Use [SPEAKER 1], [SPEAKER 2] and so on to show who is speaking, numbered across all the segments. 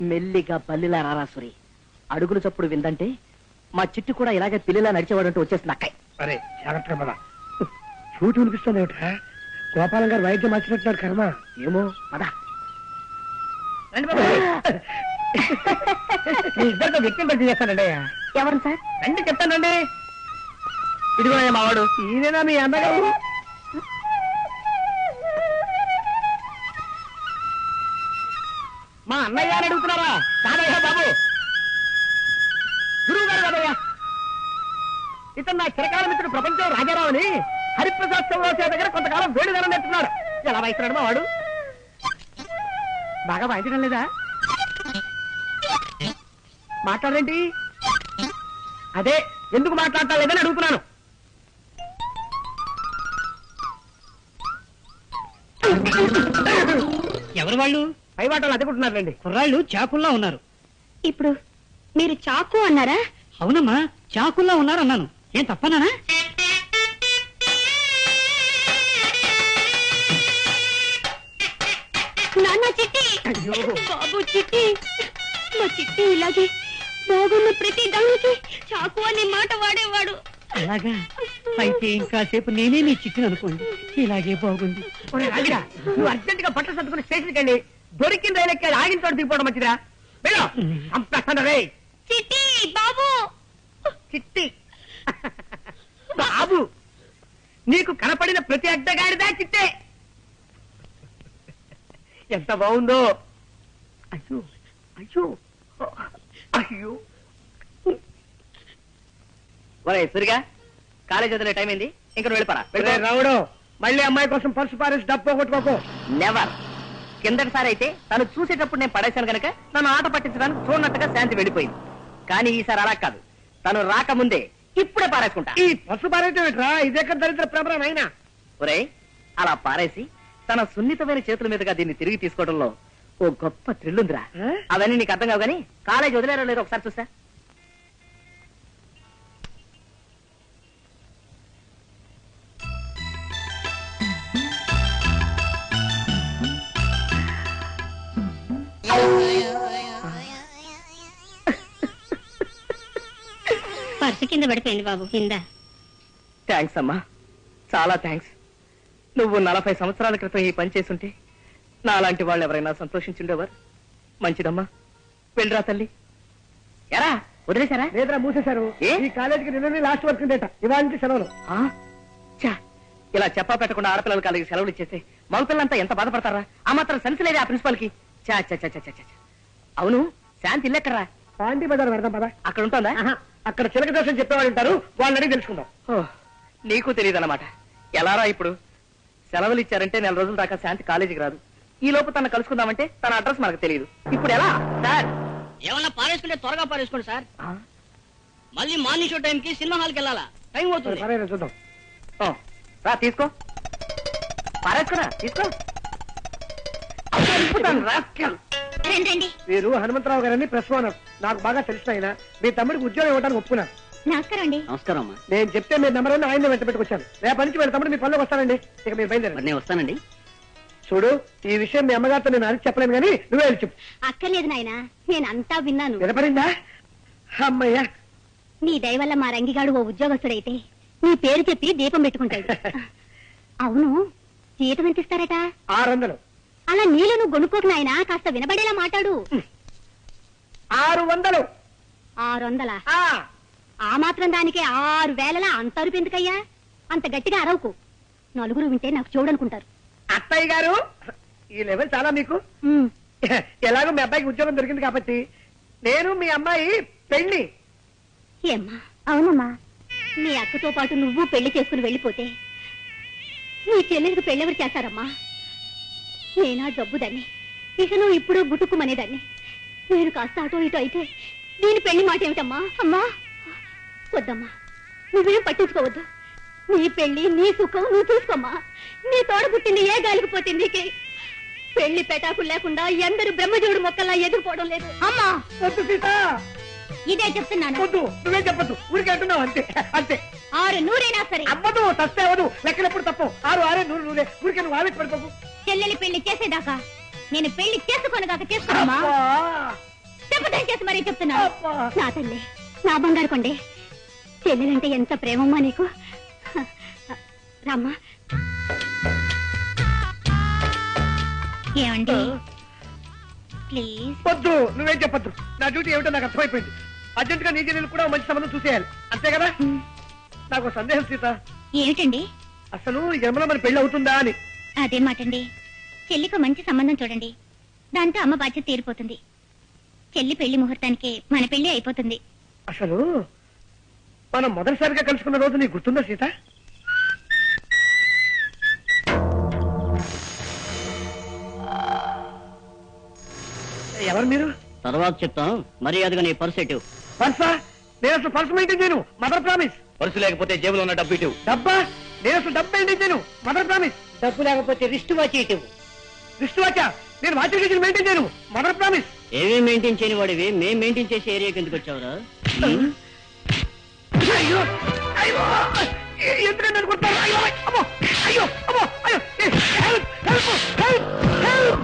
[SPEAKER 1] మెల్లిగా పల్లిలా రారాసురి, అడుగులు చప్పుడు విందంటే మా చిట్టు కూడా ఇలాగే పిల్లిలా నడిచేవాడంటూ వచ్చేస్తుంది అక్కయ్య.
[SPEAKER 2] అరే జాగ్రత్తగా పద. చూటు వినిపిస్తుంది ఏమిటా? గోపాలం గారు వైద్యం మార్చినట్టున్నారు కర్మ.
[SPEAKER 1] ఏమో పద.
[SPEAKER 2] మీ ఇద్దరితో వ్యక్తిని పరిచయం చేస్తానండి.
[SPEAKER 1] ఎవరు సార్?
[SPEAKER 2] రండి చెప్తానండి.
[SPEAKER 1] ఇదిగో మావాడు.
[SPEAKER 2] ఈయనేనా మీ అన్నగారు?
[SPEAKER 1] మా అన్నయ్య అని అడుగుతున్నారా? కాదయ్యా బాబు, గురువు గారు కాదయ్యా. ఇతను నా చిరకాల మిత్రుడు ప్రపంచం రాజారావు అని హరిప్రసాద్ చౌరాసే దగ్గర కొంతకాలం వేడిదనం నేర్చుకున్నాడు. ఎలా వాయిస్తున్నాడు మా వాడు? బాగా వాయించడం లేదా? మాట్లాడేంటి? అదే ఎందుకు మాట్లాడటం లేదని అడుగుతున్నాను.
[SPEAKER 3] ఎవరు వాళ్ళు?
[SPEAKER 1] పై వాటలు అదుకుంటున్నారండి.
[SPEAKER 3] కుర్రాళ్ళు చాకుల్లా ఉన్నారు.
[SPEAKER 4] ఇప్పుడు మీరు చాకు అన్నారా?
[SPEAKER 3] అవునమ్మా, చాకుల్లా ఉన్నారు అన్నాను. ఏం తప్పనానా?
[SPEAKER 4] నాన్న చిట్టి, బాబు చిట్టి, మా చిట్టి ఇలాగే బాగున్న ప్రతి దానికి చాకు అనే మాట వాడేవాడు.
[SPEAKER 3] అలాగా? అయితే ఇంకాసేపు నేనే నీ చిట్టును అనుకోండి. ఇలాగే బాగుంది.
[SPEAKER 1] నువ్వు అర్జెంట్ గా బట్టలు సర్దుకుని స్టేషన్కి వెళ్ళి దొరికిన రైలు ఎక్కి ఆగిన తోట దిగిపోవడం మంచిదా? రే
[SPEAKER 4] చిట్టి బాబు,
[SPEAKER 1] చిట్టి బాబు, నీకు కనపడిన ప్రతి అడ్డగాడిదా చిట్టే. ఎంత బాగుందో. అయ్యో అయ్యో అయ్యో. ఒరే సరిగా కాలేజ్ వదిలే టైం అయింది, ఇంకా వెళ్ళిపోరా.
[SPEAKER 2] రావుడు, మళ్ళీ అమ్మాయి కోసం పర్సు పారేసి డబ్బు కొట్టుకోకు.
[SPEAKER 1] నెవర్. కిందటిసారి అయితే తను చూసేటప్పుడు నేను పడేశాను కనుక నన్ను ఆట పట్టించడానికి చూడనట్టుగా శాంతి వెళ్ళిపోయింది. కానీ ఈసారి అలా కాదు, తను రాకముందే ఇప్పుడే పారేసుకుంటా.
[SPEAKER 2] ఈ పర్సు పారేయటం ఇదెక్కడ దరిద్ర ప్రభరం అయినా.
[SPEAKER 1] ఒరే అలా పారేసి తన సున్నితమైన చేతుల మీదుగా దీన్ని తిరిగి తీసుకోవడంలో ఓ గొప్ప థ్రిల్ ఉందిరా. అవన్నీ నీకు అర్థం కావు, కానీ కాలేజ్ వదిలేరో లేదో ఒకసారి చూసా.
[SPEAKER 4] పర్సు కింద పడిపోయింది బాబు. కింద.
[SPEAKER 1] థ్యాంక్స్ అమ్మా, చాలా థ్యాంక్స్. నువ్వు 40 సంవత్సరాల క్రితం ఈ పని చేసుంటే నాలాంటి వాళ్ళు ఎవరైనా సంతోషించుండేవారు. మంచిదమ్మా, వెళ్ళరా తల్లి. ఎరా వదిలేశారా?
[SPEAKER 2] లేదరా, మూసేశారు. ఈ కాలేజీకి నిన్న లాస్ట్ వర్క్ ఉండేట, ఇవాళ నుంచి సెలవులు.
[SPEAKER 1] ఇలా చెప్పా పెట్టకుండా ఆడపిల్లల కాలేజీకి సెలవులు ఇచ్చేస్తే మగపిల్లంతా ఎంత బాధపడతారా? ఆ మాత్రం సెన్స్ లేదా ఆ ప్రిన్సిపాల్ కి? చా చా చా చా చా. అవును, శాంతి ఇల్లెక్కరా?
[SPEAKER 2] పాండి బజార్ పెడదాం పదా.
[SPEAKER 1] అక్కడ ఉంటుందా?
[SPEAKER 2] అక్కడ చిలక దర్శనం చెప్పేవాళ్ళు ఉంటారు, వాళ్ళని అడిగి తెలుసుకుందాం.
[SPEAKER 1] నీకు తెలియదు అన్నమాట. ఎలారా ఇప్పుడు? సెలవులు ఇచ్చారంటే 4 రోజుల దాకా శాంతి కాలేజీకి రాదు. ఈ లోపు తన కలుసుకుందామంటే తన అడ్రస్ మనకు తెలియదు. ఇప్పుడు ఎలా సార్?
[SPEAKER 3] ఏమన్నా పారేసుకుంటే త్వరగా పారేసుకోండి సార్. మళ్ళీ మార్నింగ్ షో టైంకి సినిమా హాల్కి వెళ్ళాలా? టైం అవుతుంది.
[SPEAKER 2] చూద్దాం.
[SPEAKER 1] రా తీసుకో, పారేసుకురా, తీసుకో.
[SPEAKER 4] రండి.
[SPEAKER 2] వీరు హనుమంతరావు గారని ప్రెస్ ఓనర్, నాకు బాగా తెలిసిన ఆయన. మీ తమ్ముడికి ఉద్యోగం ఇవ్వడానికి ఒప్పుకున్నారు.
[SPEAKER 4] నమస్కారం అండి.
[SPEAKER 3] నమస్కారం అమ్మా.
[SPEAKER 2] నేను చెప్తే మీ నెంబర్ అని ఆయన వెంట పెట్టుకొచ్చాను. రేపటి నుంచి వీళ్ళ తమ్ముడు మీ పనిలోకి వస్తానండి. ఇక మీరు బయలుదేరండి.
[SPEAKER 3] నేను వస్తానండి.
[SPEAKER 2] చూడు, ఈ విషయం మీ అమ్మగారితో నేను అడిగి చెప్పలేను, కానీ నువ్వే వెళ్ళి చెప్పు.
[SPEAKER 4] అక్కర్లేదు నాయనా, నేను అంతా విన్నాను.
[SPEAKER 2] వినపడిందా? అమ్మయ్యా,
[SPEAKER 4] నీ దయ వల్ల మా రంగిగాడు ఓ ఉద్యోగస్తుడైతే నీ పేరు చెప్పి దీపం పెట్టుకుంటాడు. అవును, జీతం ఎంత ఇస్తారట?
[SPEAKER 2] 600.
[SPEAKER 4] అలా నీళ్ళు నువ్వు గొనుక్కోకు నాయనా, కాస్త వినబడేలా మాట్లాడు.
[SPEAKER 2] 600.
[SPEAKER 4] 600? ఆ మాత్రం దానికే 6000 అంత అరుపు ఎందుకయ్యా? అంత గట్టిగా అరవకు, నలుగురు వింటే నాకు చూడనుకుంటారు.
[SPEAKER 2] అత్తయ్య గారు, ఈ లెవెల్ చాలా మీకు. ఎలాగో మీ అబ్బాయికి ఉద్యోగం దొరికింది కాబట్టి నేను మీ అమ్మాయి పెళ్లి.
[SPEAKER 4] ఏమ్మా? అవునమ్మా, నీ అక్కతో పాటు నువ్వు పెళ్లి చేసుకుని వెళ్ళిపోతే నీ చెల్లెలకు పెళ్ళెవరు చేస్తారమ్మా? నేనా జబ్బుదాన్ని, ఇక నువ్వు ఇప్పుడు గుట్టుకుమనేదాన్ని. నేను కాస్త అటో ఇటో అయితే దీని పెళ్లి మాట ఏమిటమ్మా? అమ్మా వద్దమ్మా, నువ్వేం పట్టించుకోవద్దు. నీ పెళ్లి నీ సుఖం నువ్వు చూసుకోమ్మా. నీ తోడ పుట్టింది ఏ గాలికి పోతుంది? పెళ్లి పెటాకులు లేకుండా ఎందరు బ్రహ్మజీవుడు మొక్కల్లా ఎదుర్కోవడం లేదు. అమ్మా
[SPEAKER 2] వద్దు సీత,
[SPEAKER 4] ఇదే చెప్తున్నాను.
[SPEAKER 2] వద్దు, నువ్వే చెప్పద్దు, ఊరికే అంటున్నావు అంతే. అంతే.
[SPEAKER 4] 600 సరే.
[SPEAKER 2] అవ్వదు, తస్తే అవ్వదు, లెక్కలెప్పుడు తప్పు. 6 6 100 ఊరికే నువ్వు ఆవేశ పడిపోకు.
[SPEAKER 4] చెల్లెలి పెళ్లి చేసేదాకా నేను పెళ్లి చేసుకోనగాక చేసుకోమ్మా. చేసి మరీ చెప్తున్నా నా తల్లి, నా బంగారు కొండే, చెల్లెలంటే ఎంత ప్రేమమ్మా నీకు. రామ్మా. ఏమండి ప్లీజ్.
[SPEAKER 2] వద్దు, నువ్వేం చెప్పొద్దు. నా డ్యూటీ ఏమిటో నాకు అర్థమైపోయింది. అర్జెంట్ గా నీ చెల్లెలు కూడా మంచి సంబంధం చూసేయాలి, అంతే కదా? నాకు ఒక సందేహం సీత,
[SPEAKER 4] ఏమిటండి?
[SPEAKER 2] అసలు ఈ జన్మలో మన పెళ్లి అవుతుందా అని.
[SPEAKER 4] అదే మాటండి. చెల్లికి మంచి సంబంధం చూడండి, దాంతో అమ్మ బాధ్యత తీరిపోతుంది. చెల్లి పెళ్లి ముహూర్తానికి మన పెళ్లి అయిపోతుంది.
[SPEAKER 2] అసలు మనం మొదటిసారిగా కలుసుకున్న రోజు నీకు గుర్తుందా సీత? ఎవరు మీరు?
[SPEAKER 3] తర్వాత చెప్తాం, మర్యాదగా నీ పర్స్ ఎటు.
[SPEAKER 2] పర్సా? నేను అసలు పర్స్ మెయింటైన్ చేయను, మదర్ ప్రామిస్.
[SPEAKER 3] పర్సు లేకపోతే జేబులో ఉన్న డబ్బు ఇటు.
[SPEAKER 2] డబ్బా? నేను అసలు డబ్బు మెయింటైన్ చేయను, మదర్ ప్రామిస్.
[SPEAKER 1] డబ్బు లేకపోతే రిస్ట్ వాచ్ ఇటు.
[SPEAKER 2] రిస్ట్ వాచా? నేను వాచ్ మెయింటైన్ చేయను, మదర్ ప్రామిస్.
[SPEAKER 3] ఏమీ మెయింటైన్ చేయని వాడివి మేము మెయింటైన్ చేసే ఏరియాకి ఎందుకు వచ్చావురా?
[SPEAKER 2] అయ్యో అయ్యో, ఎందుకంటే అనుకుంటాను. అయ్యో అమ్మో, అయ్యో అమ్మో, అయ్యో, హెల్ప్ హెల్ప్ హెల్ప్ హెల్ప్.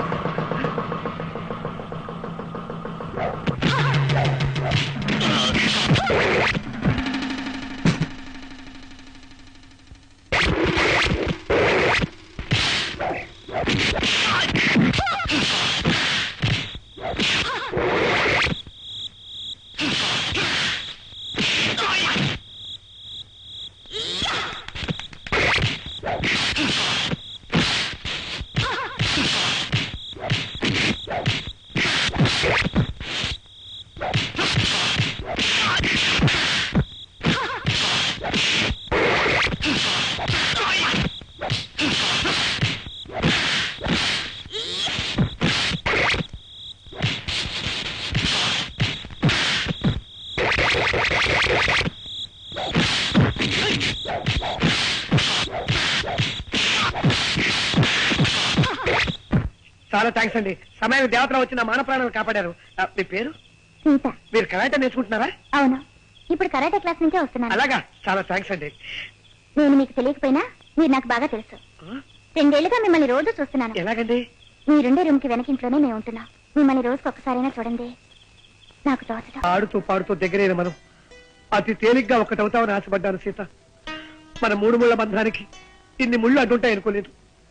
[SPEAKER 2] చాలా థ్యాంక్స్ అండి. సమయానికి దేవతలు వచ్చి నా మాన ప్రాణాలు కాపాడారు. మీ పేరు?
[SPEAKER 4] సీత.
[SPEAKER 2] మీరు కరాటే నేర్చుకుంటున్నారా?
[SPEAKER 4] అవును, ఇప్పుడు కరాటే క్లాస్ నుంచే వస్తున్నాను.
[SPEAKER 2] అలాగా, చాలా థ్యాంక్స్ అండి.
[SPEAKER 4] నేను మీకు తెలియకపోయినా మీరు నాకు బాగా తెలుసు. 2 ఏళ్లుగా మిమ్మల్ని రోజు చూస్తున్నాను.
[SPEAKER 2] ఎలాగండి?
[SPEAKER 4] మీరుండే రూమ్ కి వెనకింట్లోనే మేము ఉంటున్నాం. మిమ్మల్ని రోజుకి ఒక్కసారైనా చూడండి, నాకు తోచడం.
[SPEAKER 2] ఆడుతూ పాడుతూ దగ్గరైన మనం అతి తేలిగ్గా ఒక్కటవుతామని ఆశపడ్డాను సీత. మన 3 ముళ్ళ బంధానికి ఇన్ని ముళ్ళు అడ్డుంటాయి అనుకోలేదు.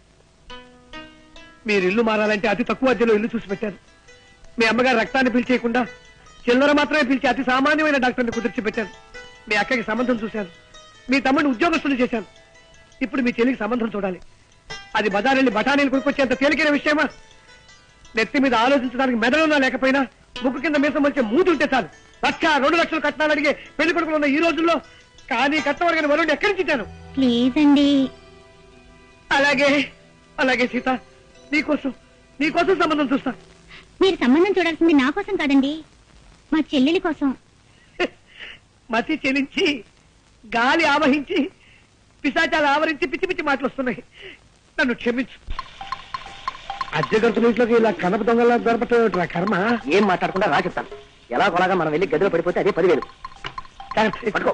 [SPEAKER 2] మీరు ఇల్లు మారాలంటే అతి తక్కువ అద్దెలో ఇల్లు చూసి పెట్టారు. మీ అమ్మగారు రక్తాన్ని పిలిచేయకుండా చిల్లర మాత్రమే పిలిచి అతి సామాన్యమైన డాక్టర్ని కుదిర్చి పెట్టాను. మీ అక్కకి సంబంధం చూశాను, మీ తమ్ముడిని ఉద్యోగస్తులు చేశాను. ఇప్పుడు మీ చెల్లికి సంబంధం చూడాలి. అది బజారెళ్ళి బఠానీలు కొనుక్కొచ్చేంత తేలికైన విషయమా? నెత్తి మీద ఆలోచించడానికి మెదడున్నా లేకపోయినా ముక్కు కింద మీసం వచ్చే మూతుంటే చాలు 1,00,000, 2 లక్షలు కట్నాలు అడిగే పెళ్లి కొడుకులు ఉన్న ఈ రోజుల్లో కానీ కట్టవరగని వరుణ్ ఎక్కడి నుంచి ఇచ్చాను?
[SPEAKER 4] ప్లీజ్ అండి.
[SPEAKER 2] అలాగే అలాగే సీత, నీకోసం సంబంధం చూస్తా.
[SPEAKER 4] మీరు సంబంధం చూడాల్సింది నా కోసం కాదండి, మా చెల్లెలి కోసం.
[SPEAKER 2] మతి చెలించి గాలి ఆవహించి పిశాచాలు ఆవరించి పిచ్చి పిచ్చి మాటలు వస్తున్నాయి. నన్ను క్షమించు. అద్దె గంతుల ఇంట్లోకి ఇలా కనప దొంగలా దొరపట్టు కర్మ.
[SPEAKER 1] ఏం మాట్లాడకుండా రా చెప్తాను. ఎలా కొలాగా మనం వెళ్ళి గదిలో పడిపోతే అదే 10,000. పట్టుకో.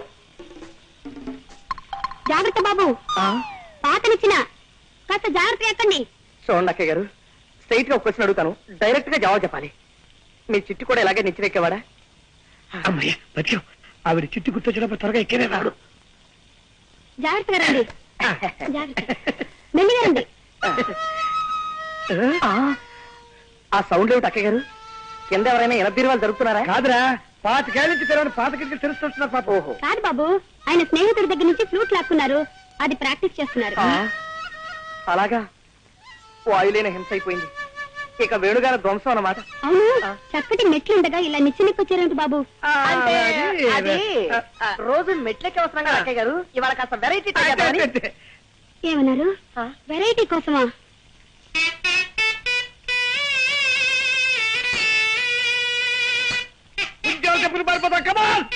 [SPEAKER 4] జాగ్రత్త బాబు, పాతనిచ్చిన కాస్త జాగ్రత్త ఎక్కండి.
[SPEAKER 1] చూడండి అక్కయ్య గారు, స్ట్రైట్ గా ఒక క్వశ్చన్ అడుగుతాను, డైరెక్ట్ గా జవాబు చెప్పాలి. మీ చిట్టు కూడా ఇలాగే నిచ్చిరెక్కేవాడా?
[SPEAKER 2] అమ్మయ్య బతికాం. ఆవిడ చిట్టు గుర్తొచ్చినప్పుడు త్వరగా ఎక్కేనే రాడు.
[SPEAKER 4] జాగ్రత్తగా రండి, జాగ్రత్త, మెల్లిగా రండి.
[SPEAKER 1] ఆ సౌండ్ ఏమిటి అక్కయ్య గారు? కింద ఎవరైనా ఎనబీరువాళ్ళు జరుగుతున్నారా?
[SPEAKER 2] కాదురా, 25 నుంచి తెరవని పాత కిటికీలు తెలుస్తున్నారు పాప.
[SPEAKER 1] ఓహో,
[SPEAKER 4] కాదు బాబు, ఆయన స్నేహితుడి దగ్గర నుంచి ఫ్లూట్ లాక్కున్నారు, అది ప్రాక్టీస్ చేస్తున్నారు.
[SPEAKER 1] అలాగా, వాయులేని హింస అయిపోయింది. ఇక వేణుగారి ధ్వంసం అన్నమాట.
[SPEAKER 4] అవును, చక్కటి మెట్లుండగా ఇలా నిచ్చెనెక్కొచ్చారేంటి బాబు?
[SPEAKER 1] అది రోజు మెట్లెక్కి వస్తున్నాం కదా అక్కయ్య గారు, ఇవాళ కాస్త వెరైటీ
[SPEAKER 4] ఏమన్నారు? వెరైటీ కోసమా?
[SPEAKER 2] ఉద్యోగ